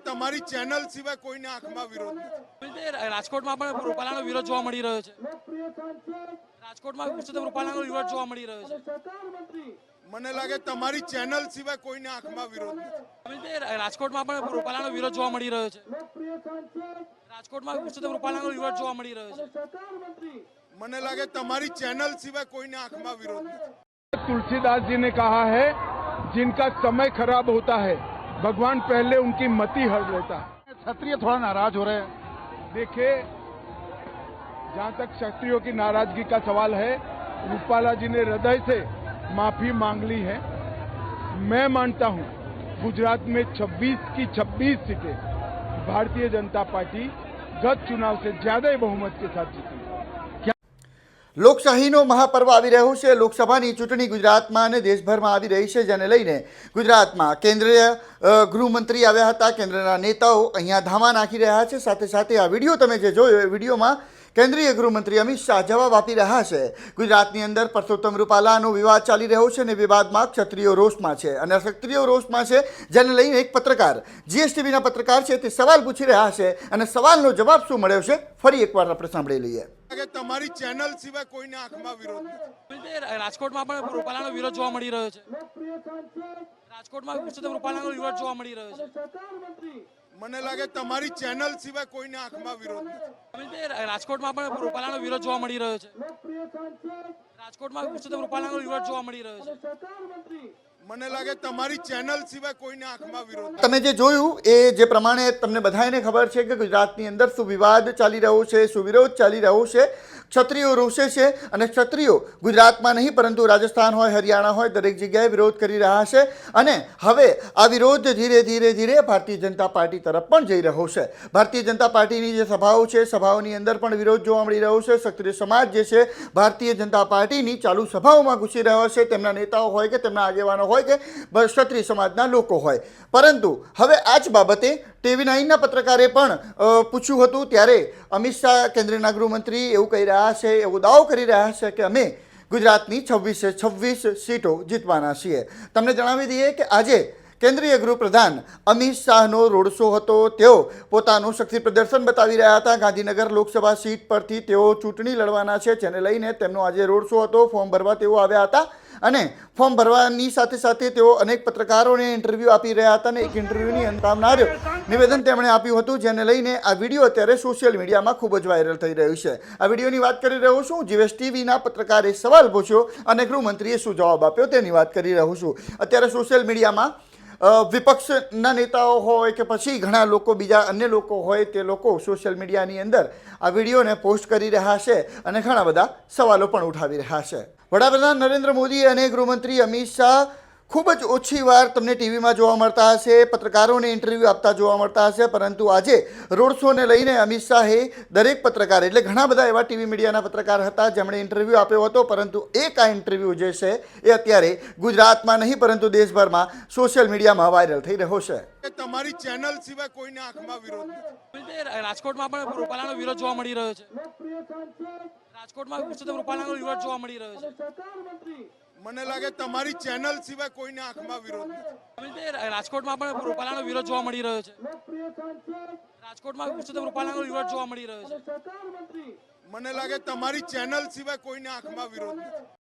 તમારી ચેનલ સિવાય કોઈને આંખમાં વિરોધ નથી। રાજકોટમાં પણ રૂપાલાનો વિરોધ જોવા મળી રહ્યો છે। રાજકોટમાં પુરુષોત્તમ રૂપાલાનો વિરોધ જોવા મળી રહ્યો છે। મને લાગે તમારી ચેનલ સિવાય કોઈને આંખમાં વિરોધ નથી। રાજકોટમાં પણ રૂપાલાનો વિરોધ જોવા મળી રહ્યો છે। રાજકોટમાં પુરુષોત્તમ રૂપાલાનો વિરોધ જોવા મળી રહ્યો છે। મને લાગે તમારી ચેનલ સિવાય કોઈને આંખમાં વિરોધ નથી। तुलसीदास जी ने कहा है, जिनका समय खराब होता है भगवान पहले उनकी मति हर लेता है। क्षत्रिय थोड़ा नाराज हो रहे हैं। देखिए, जहां तक क्षत्रियों की नाराजगी का सवाल है, रूपाला जी ने हृदय से माफी मांग ली है। मैं मानता हूं गुजरात में 26 की 26 सीटें भारतीय जनता पार्टी गत चुनाव से ज्यादा बहुमत के साथ जीती। લોકશાહીનો મહાપર્વ આવી રહ્યો છે। લોકસભાની ચૂંટણી ગુજરાતમાં અને દેશભરમાં આવી રહી છે, જેને લઈને ગુજરાતમાં કેન્દ્રીય ગૃહમંત્રી આવ્યા હતા। કેન્દ્રના નેતાઓ અહીંયા ધામા નાખી રહ્યા છે। સાથે સાથે આ વિડીયો તમે જે જોયો એ વિડીયોમાં કેન્દ્રીય ગૃહમંત્રી અમિત શાહ જવાબ આપી રહ્યા છે। ગુજરાતની અંદર પરસોત્તમ રૂપાલાનો વિવાદ ચાલી રહ્યો છે અને વિવાદમાં ક્ષત્રિયો રોષમાં છે અને ક્ષત્રિયો રોષમાં છે, જેને લઈને એક પત્રકાર જીએસટીવીના પત્રકાર છે તે સવાલ પૂછી રહ્યા છે અને સવાલનો જવાબ શું મળ્યો છે ફરી એકવાર આપણે સાંભળી લઈએ। તમારી ચેનલ સિવાય કોઈને આંખમાં વિરોધ નથી। રાજકોટમાં પણ રૂપાલાનો વિરોધ જોવા મળી રહ્યો છે। રાજકોટમાં પુરુષોત્તમ રૂપાલાનો વિરોધ જોવા મળી રહ્યો છે। મને લાગે તમારી ચેનલ સિવાય કોઈને આંખમાં વિરોધ નથી। રાજકોટમાં પણ રૂપાલાનો વિરોધ જોવા મળી રહ્યો છે। રાજકોટમાં પુરુષોત્તમ રૂપાલાનો વિરોધ જોવા મળી રહ્યો છે। મને લાગે તમારી ચેનલ સિવાય કોઈને આંખમાં વિરોધ નથી। તમે જે જોયું એ જે પ્રમાણે તમને બધાને ખબર છે કે ગુજરાતની અંદર શું વિવાદ ચાલી રહ્યો છે, શું વિરોધ ચાલી રહ્યો છે। ક્ષત્રિયો રોષે છે અને ક્ષત્રિયો ગુજરાતમાં નહીં પરંતુ રાજસ્થાન હોય, હરિયાણા હોય, દરેક જગ્યાએ વિરોધ કરી રહ્યા છે અને હવે આ વિરોધ ધીરે ધીરે ભારતીય જનતા પાર્ટી તરફ પણ જઈ રહ્યો છે। ભારતીય જનતા પાર્ટીની જે સભાઓ છે, સભાઓની અંદર પણ વિરોધ જોવા મળી રહ્યો છે। ક્ષત્રિય સમાજ જે છે ભારતીય જનતા પાર્ટીની ચાલુ સભાઓમાં ઘૂસી રહ્યો છે, તેમના નેતાઓ હોય કે તેમના આગેવાનો હોય કે ક્ષત્રિય સમાજના લોકો હોય। પરંતુ હવે આ જ બાબતે TV9ના પત્રકારે પણ પૂછ્યું હતું, ત્યારે અમિત શાહ કેન્દ્રના ગૃહમંત્રી એવું કહી રહ્યા છે, એવો દાવો કરી રહ્યા છે કે અમે ગુજરાતની 26 સીટો જીતવાના છીએ। તમને જણાવી દઈએ કે આજે કેન્દ્રીય ગૃહપ્રધાન અમિત શાહનો રોડ શો હતો। તેઓ પોતાનું શક્તિ પ્રદર્શન બતાવી રહ્યા હતા। ગાંધીનગર લોકસભા સીટ પરથી તેઓ ચૂંટણી લડવાના છે, જેને લઈને તેમનો આજે રોડ શો હતો। ફોર્મ ભરવા તેઓ આવ્યા હતા અને ફોર્મ ભરવાની સાથે સાથે તેઓ અનેક પત્રકારોને ઇન્ટરવ્યૂ આપી રહ્યા હતા અને એક ઇન્ટરવ્યૂની અંતમાં નિવેદન તેમણે આપ્યું હતું, જેને લઈને આ વિડીયો અત્યારે સોશિયલ મીડિયામાં ખૂબ જ વાયરલ થઈ રહ્યું છે। આ વિડીયોની વાત કરી રહ્યો છું। જીએસટીવીના પત્રકારે સવાલ પૂછ્યો અને ગૃહમંત્રીએ શું જવાબ આપ્યો તેની વાત કરી રહ્યો છું। અત્યારે સોશિયલ મીડિયામાં વિપક્ષના નેતાઓ હોય કે પછી ઘણા લોકો, બીજા અન્ય લોકો હોય, તે લોકો સોશિયલ મીડિયાની અંદર આ વિડીયોને પોસ્ટ કરી રહ્યા છે અને ઘણા બધા સવાલો પણ ઉઠાવી રહ્યા છે। વડાપ્રધાન નરેન્દ્ર મોદી અને ગૃહમંત્રી અમિત શાહ ખૂબ જ ઓછી વાર તમને ટીવીમાં જોવા મળતા હશે, પત્રકારોને ઇન્ટરવ્યૂ આપતા જોવા મળતા હશે, પરંતુ આજે રોડ શોને લઈને અમિત શાહે દરેક પત્રકાર, એટલે ઘણા બધા એવા ટીવી મીડિયાના પત્રકાર હતા જેમણે ઇન્ટરવ્યૂ આપ્યો હતો, પરંતુ એક આ ઇન્ટરવ્યૂ જે છે એ અત્યારે ગુજરાતમાં નહીં પરંતુ દેશભરમાં સોશિયલ મીડિયામાં વાયરલ થઈ રહ્યો છે। તમારી ચેનલ સિવાય કોઈને આંખમાં વિરોધ નથી। રાજકોટમાં પણ રૂપાલાનો વિરોધ જોવા મળી રહ્યો છે। રાજકોટમાં પુરુષોત્તમ રૂપાલાનો વિરોધ જોવા મળી રહ્યો છે। મને લાગે તમારી ચેનલ સિવાય કોઈને આંખમાં વિરોધ નથી। રાજકોટમાં પણ રૂપાલાનો વિરોધ જોવા મળી રહ્યો છે। રાજકોટમાં પુરુષોત્તમ રૂપાલાનો વિરોધ જોવા મળી રહ્યો છે। મને લાગે તમારી ચેનલ સિવાય કોઈને આંખમાં વિરોધ નથી।